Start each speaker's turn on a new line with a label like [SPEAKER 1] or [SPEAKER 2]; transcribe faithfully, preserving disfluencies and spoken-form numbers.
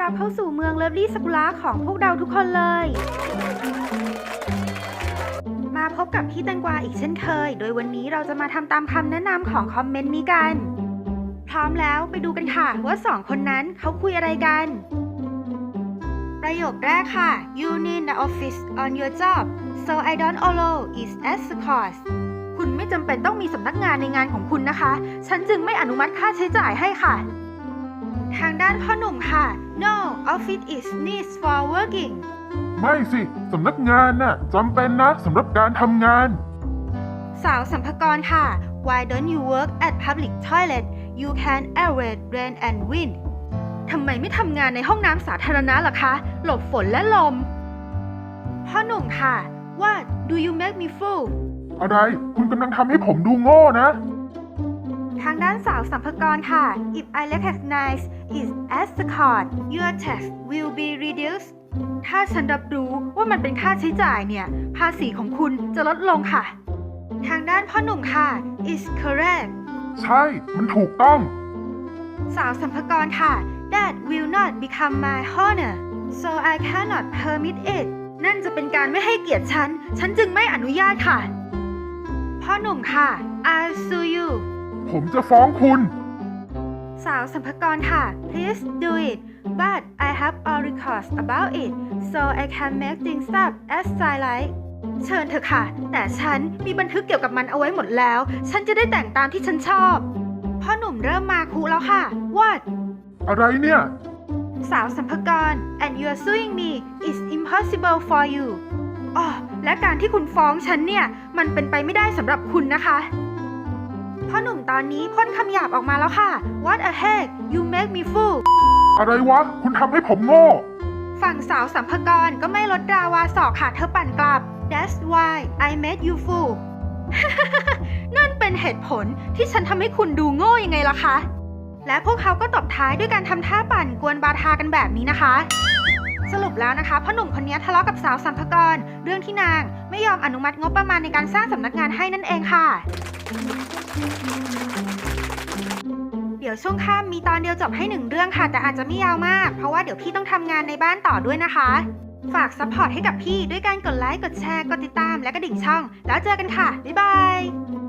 [SPEAKER 1] รับเข้าสู่เมืองเลิฟลี่ซากุระของพวกเราทุกคนเลย มาพบกับพี่แตงกวาอีกเช่นเคย โดยวันนี้เราจะมาทำตามคำแนะนำของคอมเมนต์นี้กัน พร้อมแล้วไปดูกันค่ะว่าสองคนนั้นเขาคุยอะไรกัน ประโยคแรกค่ะ You need the office on your job so I don't allow it as a cost คุณไม่จำเป็นต้องมีสำนักงานในงานของคุณนะคะ ฉันจึงไม่อนุมัติค่าใช้จ่ายให้ค่ะ ทางด้านพ่อหนุ่มค่ะ No office is needs for working
[SPEAKER 2] ไม่สิสำนักงานน่ะจำเป็นนะสำหรับการทำงาน
[SPEAKER 1] สาวสัมภากรค่ะ Why don't you work at public toilet You can avoid rain and wind ทำไมไม่ทำงานในห้องน้ำสาธารณะล่ะคะ หลบฝนและลม พ่อหนุ่มค่ะ What do you make me fool
[SPEAKER 2] อะไรคุณกำลังทำให้ผมดูโง่นะ
[SPEAKER 1] ทางด้านสาวสัมภากรค่ะ If I recognize it as a cost your tax will be reduced ถ้าฉันรับรู้ว่ามันเป็นค่าใช้จ่ายเนี่ย ภาษีของคุณจะลดลงค่ะ ทางด้านพ่อหนุ่มค่ะ is correct
[SPEAKER 2] ใช่มันถูกต้อง
[SPEAKER 1] สาวสัมภากรค่ะ That will not become my honor so I cannot permit it นั่นจะเป็นการไม่ให้เกียรติฉัน ฉันจึงไม่อนุญาตค่ะ พ่อหนุ่มค่ะ I'll sue you
[SPEAKER 2] ผมจะฟ้องคุณ
[SPEAKER 1] สาวสัมภากรค่ะ Please do it but I have all records about it so I can make things up as I like เชิญเถอะค่ะ แต่ฉันมีบันทึกเกี่ยวกับมันเอาไว้หมดแล้ว ฉันจะได้แต่งตามที่ฉันชอบ พ่อหนุ่มเริ่มมาคุแล้วค่ะ What
[SPEAKER 2] อะไรเนี่ย
[SPEAKER 1] สาวสัมภากร and you're suing me is impossible for you อ๋อและการที่คุณฟ้องฉันเนี่ย มันเป็นไปไม่ได้สำหรับคุณนะคะพ่อหนุ่มตอนนี้พ่นคำหยาบออกมาแล้วค่ะ What a heck you make me fool
[SPEAKER 2] อะไรวะคุณทำให้ผมโง่
[SPEAKER 1] ฝั่งสาวสัมภากรก็ไม่ลดราวาสอกค่ะเธอปั่นกลับ That's why I made you fool นั่นเป็นเหตุผลที่ฉันทำให้คุณดูโง่ยังไงล่ะคะและพวกเขาก็ตบท้ายด้วยการทำท่าปั่นกวนบาทากันแบบนี้นะคะ สรุปแล้วนะคะพ่อหนุ่มคนนี้ทะเลาะกับสาวสัมภากรเรื่องที่นางไม่ยอมอนุมัติงบประมาณในการสร้างสำนักงานให้นั่นเองค่ะ เดี๋ยวช่วงค่ำมีตอนเดียวจบให้หนึ่งเรื่องค่ะแต่อาจจะไม่ยาวมากเพราะว่าเดี๋ยวพี่ต้องทำงานในบ้านต่อด้วยนะคะฝากซัพพอร์ตให้กับพี่ด้วยการกดไลค์กดแชร์กดติดตามและกระดิ่งช่องแล้วเจอกันค่ะบ๊ายบาย